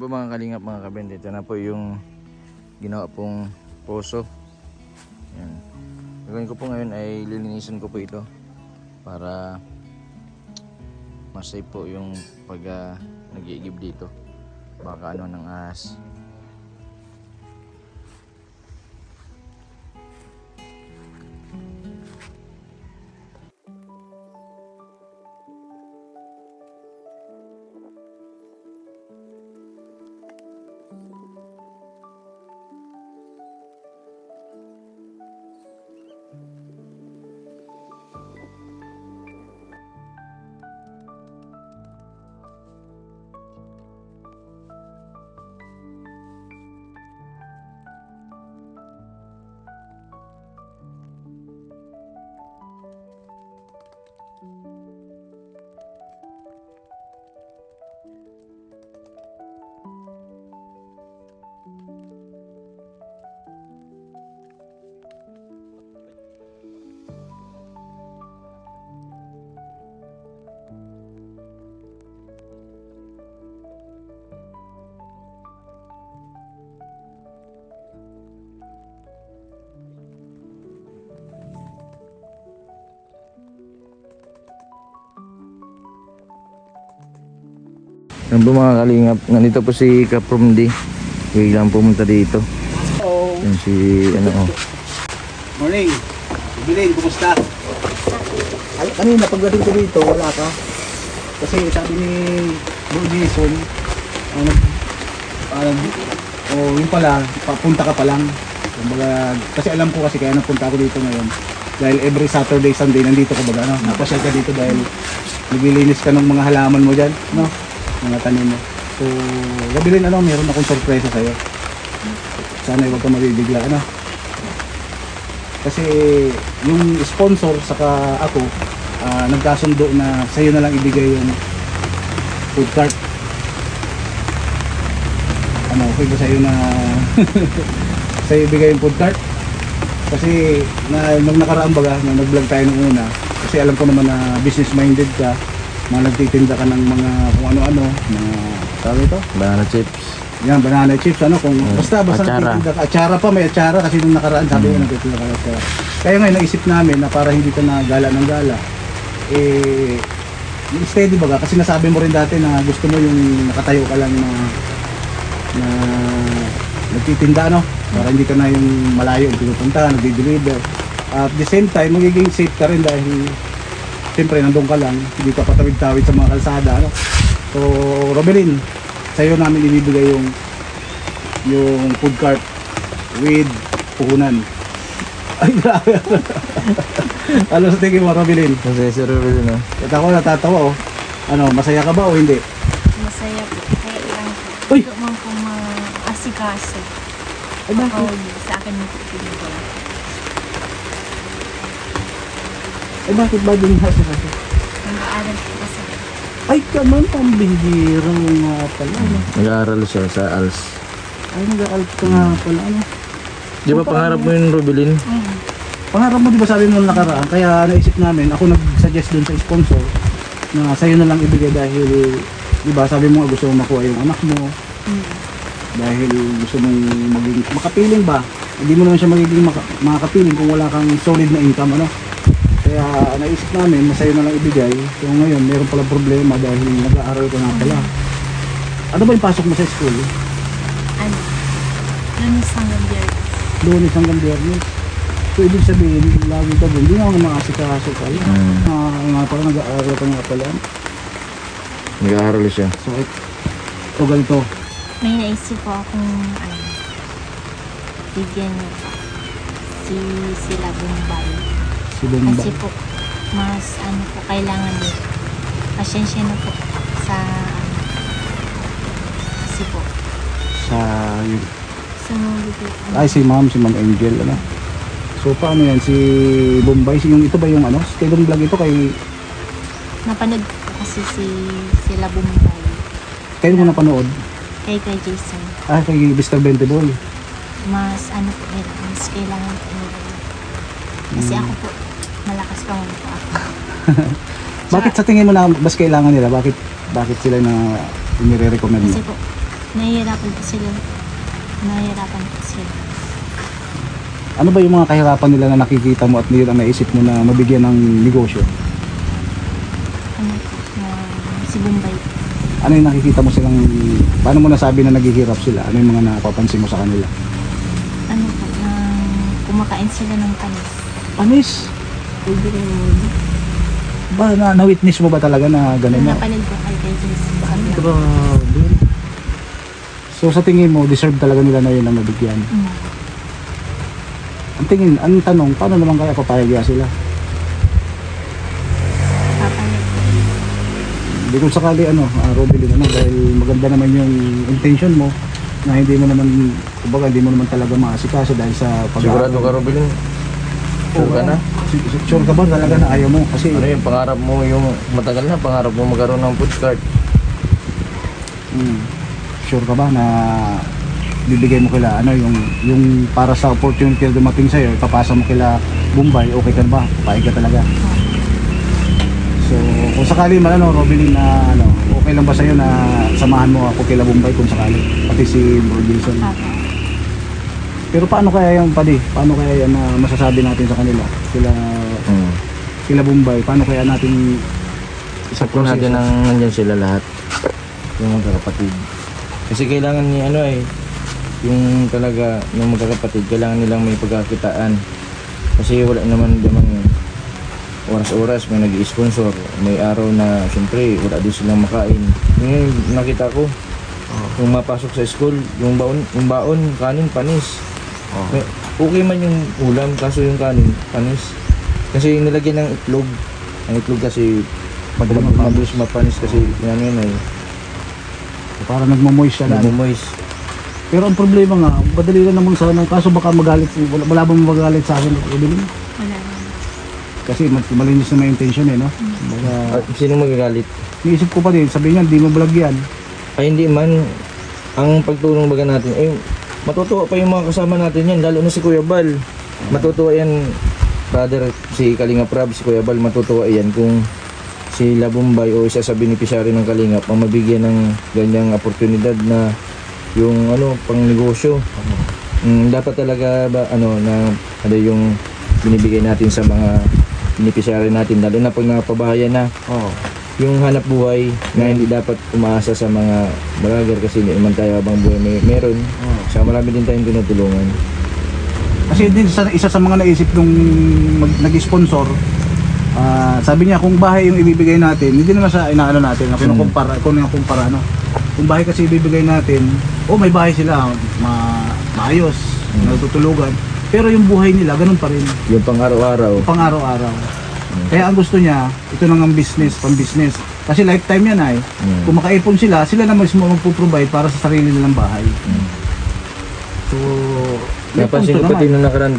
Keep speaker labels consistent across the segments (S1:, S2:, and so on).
S1: po mga kalingap, mga kabend, ito na po yung ginawa pong poso. Yan. Gagawin ko po ngayon ay lilinisan ko po ito para masay po yung pag nag-iigib dito. Baka ano ng ahas. Yan po mga kalingap, nandito po si Kaprom D. Biglang pumunta dito.
S2: Hello.
S1: Yan si ano oh.
S2: Morning. Bilin, kumusta? Ay, kanina pagdating ko dito, wala ka. Kasi sabi ni Bro Jason, yun pala, papunta ka pa lang. Kumbaga, kasi alam ko kasi kaya napunta ako dito ngayon. Dahil every Saturday, Sunday, nandito ka baga, no? Napasyal ka dito dahil naglilinis ka ng mga halaman mo dyan, no? Mga tanim mo. So, Gabilin, meron akong sorpresa sa'yo. Sana huwag ka mabibigla, Kasi yung sponsor saka ako, nagkasundo na sa'yo na lang ibigay yung food cart. Okay ba sa'yo na sa'yo ibigay yung food cart? Kasi nung nakaraan baga, nung nag-vlog tayo nung una, kasi alam ko naman na business minded ka, mga nagtitinda ka ng mga kung ano-ano, mga tawag ito?
S1: Banana chips.
S2: Yan, banana chips, kung basta
S1: Atsara.
S2: nagtitinda ka. Atsara pa, may atsara kasi nung nakaraan sabi ko nagtitinda ka ng atsara. Kaya ngayon naisip namin na para hindi ka na gala ng gala, steady baga, kasi nasabi mo rin dati na gusto mo yung nakatayo ka lang na nagtitinda, para hindi ka na yung malayo pinupunta, nagdi-deliver. At the same time, magiging safe ka rin dahil siyempre nandun ka lang, hindi ka patawid-tawid sa mga kalsada, So, Robelin, sa'yo namin ibibigay yung food cart with puhunan. Ay, grabe. Ano sa tingin mo, Robelin?
S1: Kasi si Ruben, no?
S2: At ako natatawa, masaya ka ba o hindi?
S3: Masaya po. Kaya lang po.
S2: Uy!
S3: Ito man po ma-asikaso.
S2: Ay, bakit?
S3: Sa akin mo po pinigay.
S2: Ay, bakit ba din hasa kasi?
S3: Nag-aaral po kasi.
S2: Ay, kaman, pambihira mo nga pala,
S1: Nag-aaral siya sa ALS.
S2: Ay, nag-aalp ka nga pala,
S1: Di ba pangarap mo yung Rubilin?
S2: Pangarap mo, di ba sabi mo nung nakaraan, kaya naisip namin, ako nag-suggest dun sa sponsor na sa'yo na lang ibigay dahil, di ba, sabi mo nga gusto mo makuha yung anak mo, dahil gusto mong maging makapiling ba? Hindi mo naman siya magiging makapiling kung wala kang solid na income, Kaya naisip namin na sa'yo na lang ibigay. So ngayon, meron pala problema dahil nag-aaral ka nga pala. Ano ba yung pasok mo sa school?
S3: Ano? Lunes hanggang Biyernes.
S2: Lunes hanggang Biyernes. So ibig sabihin, lagi ka doon, hindi nga makasikaso ka. Nga pala, nag-aaral ka nga pala.
S1: Nag-aaral siya.
S2: So ito ganito.
S3: May naisip po akong bigyan niyo pa. Sila Bombay.
S2: Si Bomba.
S3: Kasi po, mas po, kailangan din. Pasensya na po sa kasi po.
S2: Sa yun.
S3: Sa mga bigay po.
S2: Ay, si Ma'am Angel, So paano yan, si Bombay, yung ito ba yung kay Long Vlog ito kay...
S3: Napanood ko po kasi sila Bombay.
S2: Kayo mo napanood?
S3: Kay Jason.
S2: Kay Mr. Benteboy.
S3: Mas po nila, mas kailangan po nila. Kasi ako po, malakas pa mo po ako.
S2: Bakit sa tingin mo na mas kailangan nila? Bakit sila na inire-recommend mo?
S3: Kasi po, Nahihirapan po sila. Nahihirapan po sila.
S2: Ano ba yung mga kahirapan nila na nakikita mo at yun ang naisip mo na mabigyan ng negosyo?
S3: Ano po, si Bombay.
S2: Ano yung nakikita mo silang, paano mo nasabi na naghihirap sila? Ano yung mga napapansin mo sa kanila?
S3: Ano po, kumakain sila ng panis.
S2: Panis? Ba, na-witness mo ba talaga na gano'n na?
S3: Napalil po kay Jess sa kanila.
S2: Grabe. So sa tingin mo, deserve talaga nila na yun ang mabigyan. Ang tanong, paano naman kaya papayag sila?
S3: Papalit.
S2: Hindi kung sakali Robilin, dahil maganda naman yung intention mo na hindi mo naman, kumbaga hindi mo naman talaga maasikaso dahil sa
S1: Sigurado ka, Robilin? Sure ka na?
S2: Sure ka ba talaga na ayaw mo? Kasi
S1: Ano yung pangarap mo, yung matagal na pangarap mo magkaroon ng food cart?
S2: sure ka ba na bibigay mo kila yung para sa opportunity na dumating sa'yo, ipapasa mo kila Bombay, okay ka na ba? Papayag ka talaga? So kung sakali man Robilin na okay lang ba sa'yo na samahan mo ako kila Bombay kung sakali? Pati si Bro Wilson. Pero paano kaya yung paano kaya yan na masasabi natin sa kanila? Sila Bombay, paano kaya natin
S1: Sakto natin ang nandyan sila lahat. Yung magkakapatid. Kasi kailangan ni yung talaga yung magkakapatid, kailangan nilang may pagkakitaan. Kasi wala naman namang oras-oras may nag-i-sponsor. May araw na siyempre wala din silang makain. Yung nakita ko, yung mapasok sa school, yung baon, kanin, panis. Okay man yung ulam, kaso yung kanin, panis. Kasi nilagyan ng itlog. Ang itlog kasi mabilis mapanis kasi yun ay
S2: para nagmamoist siya lang.
S1: nagmumoist.
S2: Pero ang problema nga, madali lang naman sana, kaso baka magalit, wala bang magalit sa akin, Evelyn?
S3: Wala naman.
S2: Kasi malinis na may intention no? Baga,
S1: Sino magagalit?
S2: niisip ko pa din, sabi niya, di mo vlog yan.
S1: Ay hindi man, ang pagtulong baga natin, matutuwa pa yung mga kasama natin yan, lalo na si Kuya Bal. Matutuwa yan, brother, si Kalinga Prab, si Kuya Bal, matutuwa yan kung si Bombay o isa sa beneficiary ng Kalingap ang mabigyan ng ganyang oportunidad na yung pang negosyo. Dapat talaga ba na yung binibigay natin sa mga beneficiary natin, lalo na pag napabahayan na. Yung hanap buhay na hindi dapat umaasa sa mga vlogger kasi hindi naman tayo habang buhay meron. So marami din tayong tinutulungan.
S2: Kasi din isa sa mga naisip nung nag-sponsor, sabi niya kung bahay yung ibibigay natin, hindi naman sa inaano natin, kinukumpara, kung bahay kasi ibibigay natin, may bahay sila, maayos, natutulugan, pero yung buhay nila, ganun pa rin.
S1: Yung pang-araw-araw.
S2: Kaya ang gusto niya, ito nang ang business, pang-business. Kasi lifetime yan Kung makaipon sila na mismo magpo-provide para sa sarili nilang bahay. So,
S1: Napansin ko pati nung nakaraan,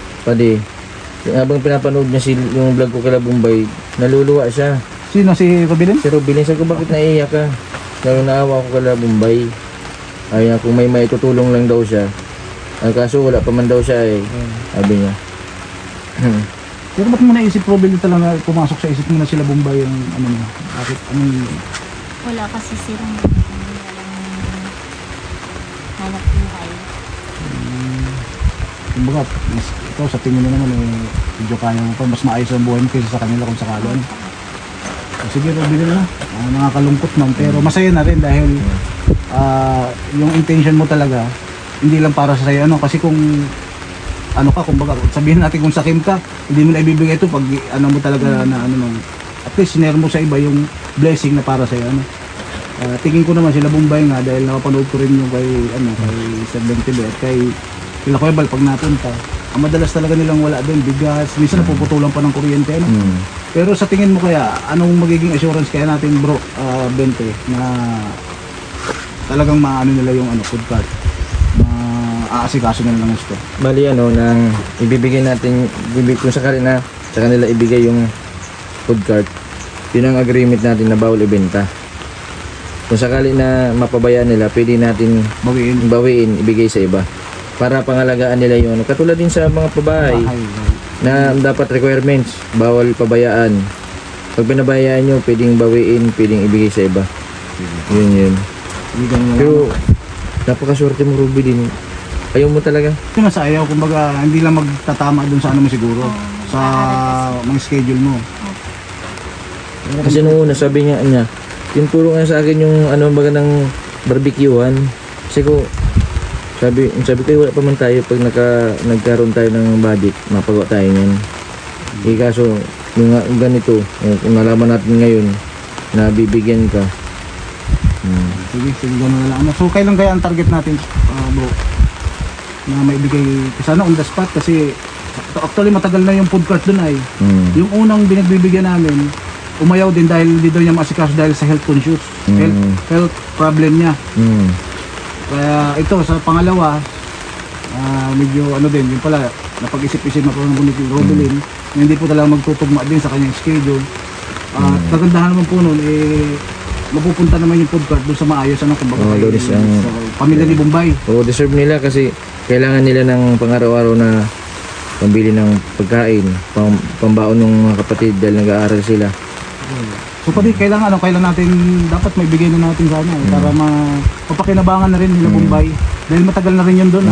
S1: habang pinapanood niya yung vlog ko kila Bombay, naluluwa siya.
S2: Sino, si Robilin?
S1: Si Rubilin, sabi ko bakit naiiyak ka? Lalo naawa ko kila Bombay. Ay, kung may maitutulong lang daw siya. Kaso wala pa man daw siya sabi niya.
S2: Pero ba't mo naisip, Robilin, talaga pumasok sa isip mo na sila Bombay yung bakit,
S3: Wala kasi silang hanap buhay.
S2: kumbaga, ikaw sa tingin mo naman medyo kaya mo pa, mas maayos ang buhay mo kaysa sa kanila kung sakali. Sige, Robilin nakakalungkot man, pero masaya na rin dahil yung intention mo talaga hindi lang para sa iyo kasi kung kumbaga sabihin natin kung sakim ka, hindi mo na ibibigay ito pag mo talaga na at least sinare mo sa iba yung blessing na para sa iyo tingin ko naman sila Bombay nga dahil napapanood ko rin yung kay Sir Bentile at kay Kuya Bal pag napunta, ang madalas talaga nilang wala din bigas, minsan napuputulan pa ng kuryente pero sa tingin mo kaya anong magiging assurance kaya natin bro Bente na talagang maano nila yung food cart, aasikaso na lang gusto.
S1: Bali nang ibibigay natin, kung sakali na sa kanila ibigay yung food cart, yun ang agreement natin na bawal ibenta. Kung sakali na mapabayaan nila, pwede natin bawiin, ibigay sa iba para pangalagaan nila yung katulad din sa mga pabahay na dapat requirements, bawal pabayaan. Pag pinabayaan nyo, pwedeng bawiin, pwedeng ibigay sa iba. Yun. Pero napakaswerte mo, Ruby din. Ayaw mo talaga.
S2: Ito na sa ayaw, kumbaga hindi lang magtatama dun sa ano mo siguro, sa mga schedule mo.
S1: Kasi nung una, sabi niya, tinuturo nga sa akin yung ano baga ng barbecuehan. Kasi ko, sabi ko, wala pa man tayo pag nagkaroon tayo ng budget, mapagawa tayo niyan. Kaso, yung ganito, kung nalaman natin ngayon, na bibigyan ka.
S2: Sige, gano'n na lang. So, kailan kaya ang target natin, bro? Na maibigay, sana on the spot kasi actually matagal na yung food cart dun ay. Yung unang binagbibigyan namin, umayaw din dahil hindi daw niya maasikaso dahil sa health conscious. Health problem niya. Kaya ito, sa pangalawa, medyo ano din, yung pala, napag-isip-isip na po ng Robilin, na hindi po talaga magtutugma din sa kanyang schedule. At kagandahan naman po nun, mapupunta naman yung food cart doon sa maayos, ano, kumbaga sa pamilya ni Bombay.
S1: Deserve nila kasi kailangan nila ng pang-araw-araw na pambili ng pagkain, pambaon ng mga kapatid dahil nag-aaral sila.
S2: So pati kailangan natin dapat maibigay na natin sana para mapakinabangan na rin nila Bombay dahil matagal na rin yun doon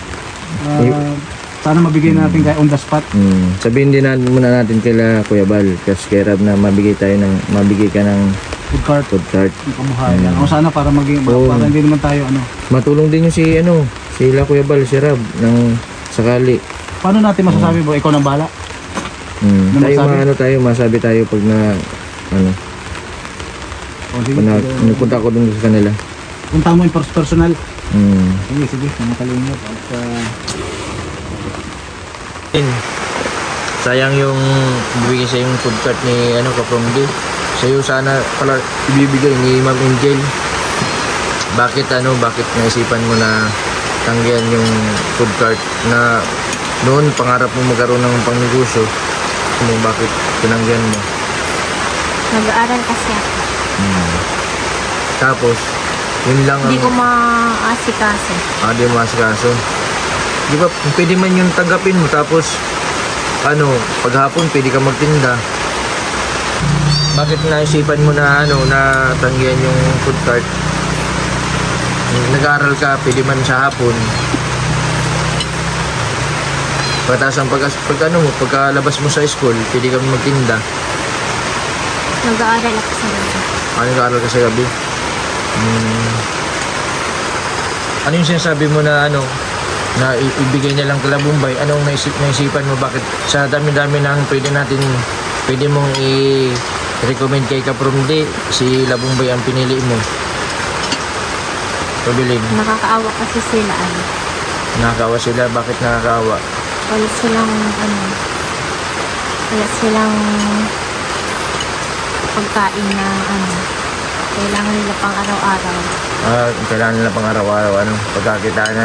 S2: sana mabigay na natin kaya on the spot.
S1: Sabihin din muna natin kila Kuya Bal kasi kay Rab na mabigay ka ng food cart.
S2: Kabuhayan. O sana para para hindi naman tayo
S1: matulong din yung sila Kuya Bal, si Rab ng sakali.
S2: Paano natin masasabi bro? Ikaw nang bahala.
S1: Masabi tayo pag na
S2: sige,
S1: punta ko dun sa kanila.
S2: Punta mo yung personal. Sige, nakalimot.
S1: Sayang yung bibigay sa yung food cart ni Kapromdi. Sa'yo sana pala ibibigay ni Ma'am Angel. Bakit naisipan mo na tanggihan yung food cart na noon pangarap mo magkaroon ng pangnegosyo? Bakit tinanggihan mo?
S3: Nag-aaral kasi ako.
S1: Tapos, yun lang
S3: Hindi ko maasikaso.
S1: Di mo maasikaso. Di ba, pwede man yung tanggapin mo, tapos, paghapon pwede ka magtinda. Bakit naisipan mo na, na tanggihan yung food cart? Nag-aaral ka, pwede man sa hapon. Pagkatapos pagkalabas mo sa school, pwede kami magtinda.
S3: Nag-aaral ako sa gabi.
S1: Nag-aaral ka sa gabi? Ano yung sinasabi mo na na ibigay niya lang kala Bombay? Anong naisipan mo? Bakit sa dami-dami ng pwede mong i-recommend kay Kapromdi, si Labumbay ang pinili mo? Pabilin.
S3: Nakakaawa kasi sila
S1: Nakakaawa sila? Bakit nakakaawa?
S3: Wala silang pagkain na kailangan nila pang araw-araw.
S1: Kailangan nila pang araw-araw pagkakitaan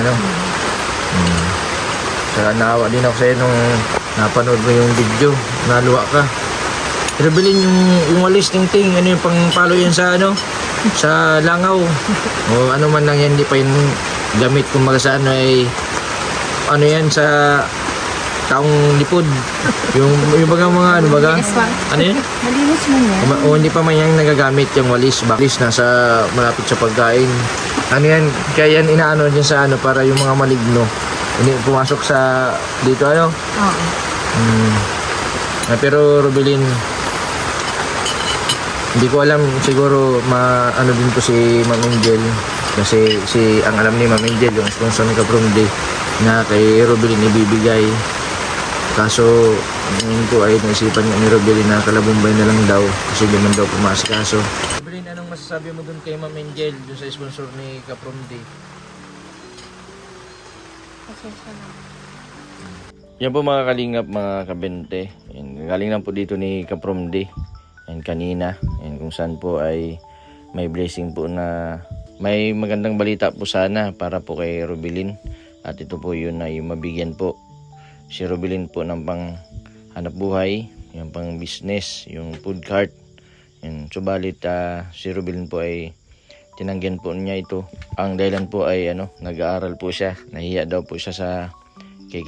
S1: Saka naawa din ako sa'yo nung napanood mo yung video, naluwa ka. Pero bilhin yung walis ting-ting, yung pangpalo yan sa sa langaw. O ano man lang yan, hindi pa yung gamit kumbaga sa yan sa taong lipod. Yung baga mga ano yan?
S3: Malinis mo yan.
S1: Hindi pa man yan nagagamit yung walis. Walis nasa malapit sa pagkain. Yan, kaya yan inaano dyan sa para yung mga maligno hindi pumasok sa dito
S3: Oo.
S1: Pero Rubilin, hindi ko alam, siguro din po si Ma'am Angel kasi ang alam ni Ma'am Angel yung sponsor ni Kapromdi na kay Rubilin ibibigay. Kaso ngayon po ay naisipan ni Rubilin na kalabumbay na lang daw kasi di man daw pumasikaso. Rubilin, anong masasabi mo dun kay Ma'am Angel dun sa sponsor ni Kapromdi?
S3: Pasensya na.
S1: Yan po mga kalingap, mga kabente. Galing lang po dito ni Kapromdi. Kanina. Kung saan po ay may blessing po na may magandang balita po sana para po kay Rubilin. At ito po yun ay mabigyan po si Rubilin po ng pang hanap buhay, yung pang business, yung food cart. Subalit si Rubilin po ay tinanggihan po niya ito. Ang dahilan po ay nag-aaral po siya. Nahiya daw po siya sa kay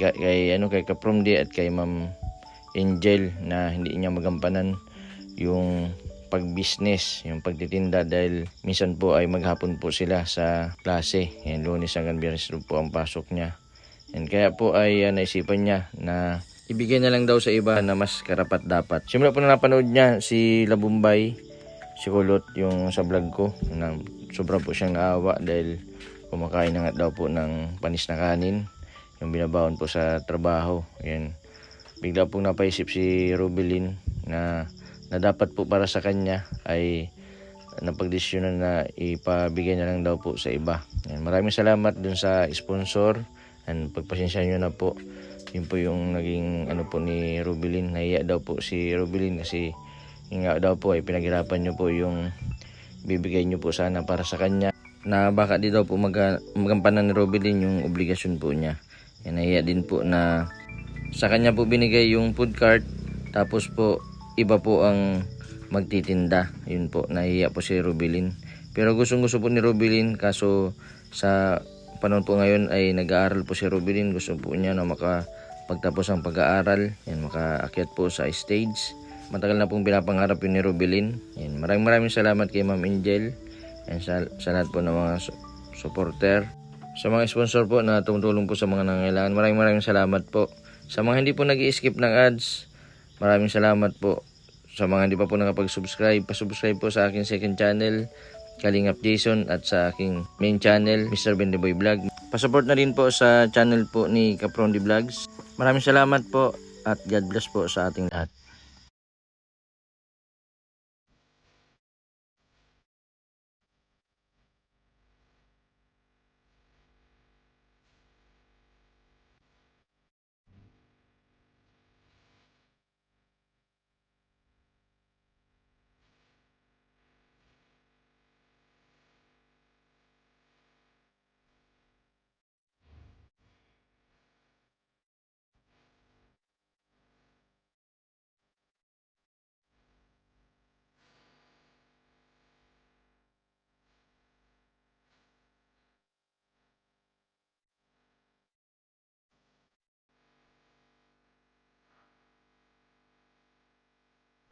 S1: Kapromdi at kay Ma'am Angel na hindi niya magampanan yung pag-business, yung pagtitinda dahil minsan po ay maghapon po sila sa klase. Yan, Lunes hanggang Biyernes po ang pasok niya. And kaya po ay naisipan niya na ibigay na lang daw sa iba na mas karapat dapat. Simula po na napanood niya si Labumbay, si Kulot, yung sa vlog ko, na sobra po siyang naawa dahil kumakain na nga daw po ng panis na kanin, yung binabaon po sa trabaho. Yan. Bigla pong napaisip si Rubilin na dapat po para sa kanya ay napagdesisyonan na ipabigay na lang daw po sa iba. Yan. Maraming salamat dun sa sponsor, and pagpasensya nyo na po. Yun po yung naging ano po ni Rubilin. Nahiya daw po si Rubilin kasi yung nga daw po ay pinaghirapan nyo po yung bibigay nyo po sana para sa kanya, na baka di daw po magampanan ni Rubilin yung obligasyon po niya. Yan, nahiya din po na sa kanya po binigay yung food cart, tapos po iba po ang magtitinda. Yun po, nahiya po si Rubilin. Pero gustong gusto po ni Rubilin, kaso sa panahon po ngayon ay nag-aaral po si Rubilin. Gusto po niya na makapagtapos ang pag-aaral, yan, makaakyat po sa stage. Matagal na pong pinapangarap yun ni Rubilin. Yan, maraming salamat kay Ma'am Angel, yan, sa lahat po ng mga supporter, sa mga sponsor po na tumutulong po sa mga nangangailangan. Maraming salamat po. Sa mga hindi po nag-i-skip ng ads, maraming salamat po. Sa mga hindi pa po nakapag-subscribe, pa-subscribe po sa aking second channel, Kalingap Jason, at sa aking main channel, Mr. Bendiboy Vlog. Pa-support na rin po sa channel po ni Caprondi Vlogs. Maraming salamat po at God bless po sa ating lahat.